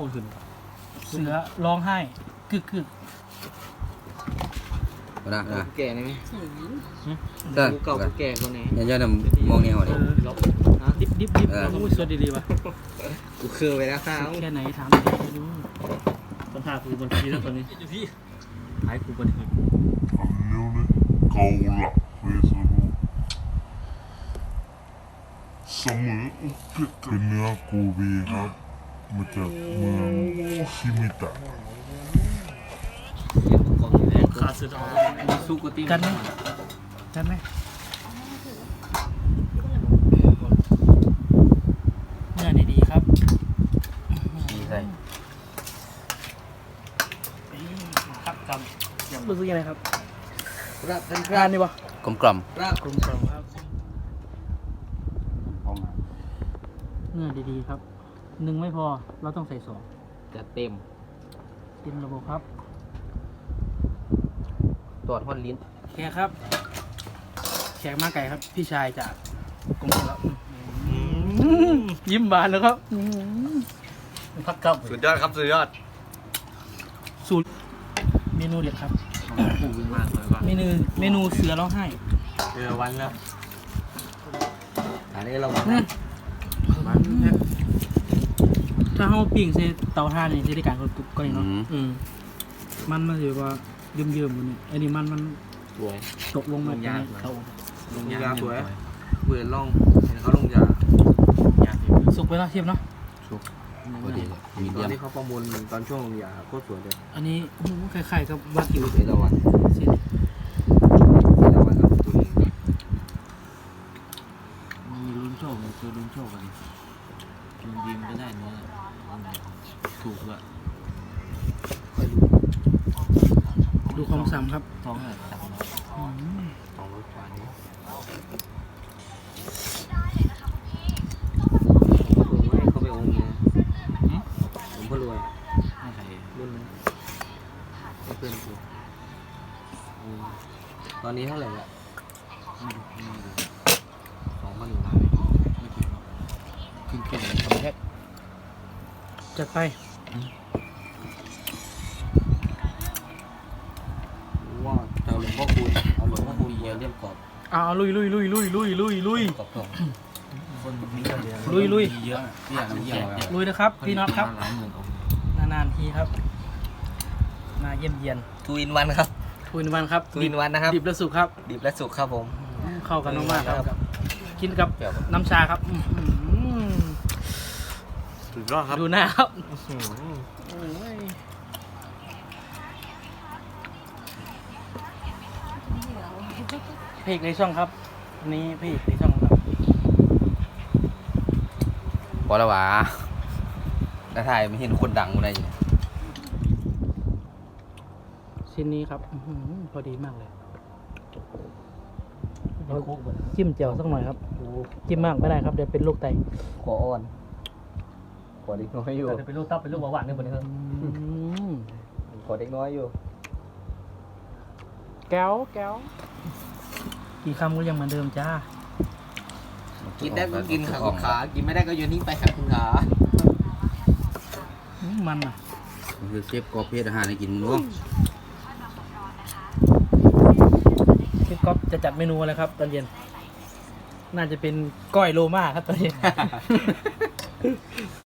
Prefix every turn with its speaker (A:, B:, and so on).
A: คนขึ้น
B: เสือร้องไห้กึก
C: นะนะ
A: แก่นี่ไหม
C: เด้อ
A: กูเก่ากูแก่คนไหน
C: ยันมองแนวนี่
B: ดิบโอ้ยสดดีๆว่ะ
A: กูคือไปแล้วข้าว
B: แค่ไหนถามดู
D: สัมภาษณ์กูบนทีแล้วตอนนี้พี่หายกูบนที
E: อันนี้เนี่ยเกาหลักเฟซบุ๊กเสมออุกฤษเป็นเนื้อโกเบครับมาจากเมืองชิมิตะ
D: ขาดสุดออก
A: สู้กูตี
B: กันไหมเนื้อดีๆครับ
C: ดีใส่
D: ครับจ
B: รู้สึกยังไงครับ
A: รับเป็นค
B: ร้า
A: รั
B: น
A: บ
B: นี่วะ
C: กลมกล่อม
A: รับ
B: กลมครับเนื้อดีๆครับหนึ่งไม่พอเราต้องใส่สอง
A: จะเต็ม
B: เต็มระบบครับ
C: ตรวจฮอนลิ้น
B: แขกครับแขกมาไก่ครับ พี่ชายจากกรมครับยิ้มบานแล้วครับ
D: พักกับ
A: สุดยอดครับสุดยอด
B: สูตรเมนูเด็ดครับ
D: กูวิ่งมากเลยว่ะ
B: เมนูเสือร้องไห้
D: วันแล้ว
A: อันนี้เรา
B: ถ้าเขาปิ้งใส่เตาถ่านนี่จะได้การกรุบๆก็ได้เนาะมันถือว่าเยิ้มๆมันนี่อันนี้มัน
A: สวย
B: ตกลงมาในเตา
A: ลงยาสวยเบื่อล่องเห็นเขาลงยา
B: สุกไปแล้วเทียบเนาะ
C: พอดีเลยมี
A: ต
C: เดี
A: อย น
C: ม
A: ที่เขาประมูลตอนช่วงลงยาโคตรสวยเลย
B: อันนี้โอ้โหคล้ายๆกับวากิว
A: เอราวัณ
B: สิ
A: เอราวัณครับตัวนี้
D: มีลุ้นโชคมีตัวลุ้นโชคกันดิลุงดีมก็ได้เนื้อถูกว่ะ
B: ดูความสำครับ
D: ท้องอะไรจับ
B: อืม
A: ของรถไฟนี้เขาไปองค์เนี่ยผมก็รวย
D: ให้ใคร
A: รุ่นนั้นก็เพื่อนกูตอนนี้เท่าไหร่ละ
D: ไม่ดูไม่ดู
A: 2,100
D: ไม่ถึง
C: ขึ้นเข็มทำแค่
B: จัดไป
A: ว่าเอาหลวงพ่อคูณเอาหลวงพ่อคูณ
C: เยอะเรียบกรอบ
B: เอาลุย
C: กรอบกรอบ
D: คนมีกันเดียว
B: ลุย
D: เยอะ
C: พี่อยากน้ำเยี่ยวแล้ว
B: ลุยนะครับพี่น็อตครับ
D: หลายหมื่นองค์
B: นานๆทีครับมาเยี่ยมเยียน
A: ทูอินวันครับ
B: ทุนวันครับ
A: ทูอินวันนะครับ
B: ดิบและสุกครับ
A: ดิบและสุกครับผม
B: เข้ากันมากๆครับ กินกับน้ำชาครับอื้อหือ
A: สุดยอดครับ
B: ดูหน้าครับโอ้ยเพจในช่องครับอันนี้เพจในช่องครับ
C: พอแล้ววะน้าถ่ายไม่เห็นคนดังอะไรอยู่
B: ชิ้นนี้ครับอื้อหือพอดีมากเลยเราจิ้มเจียวสักหน่อยครับจิ้มมากไม่ได้ครับเดี๋ยวเป็นโรคไต
A: ขออ่อนขอเด็กน้อยอยู่
D: แต่เป็นลูกตับเป็นลูกหวานเนี่ยบนนี้ครับ
A: ขอเด็กน้อยอยู่
B: แก้วกี่คำก็ยังเหมือนเดิมจ้า
A: กินได้ก็กินค่ะคุณขากินไม่ได้ก็โยนทิ้งไปค่ะคุณขา
B: มันอ่ะ
C: มันคือเชฟกรอบเพศอาหารให้กินมั้ง
B: พี่ก๊อฟจะจัดเมนูอะไรครับ ตอนเย็น น่าจะเป็นก้อยโลมาครับตอนเย็น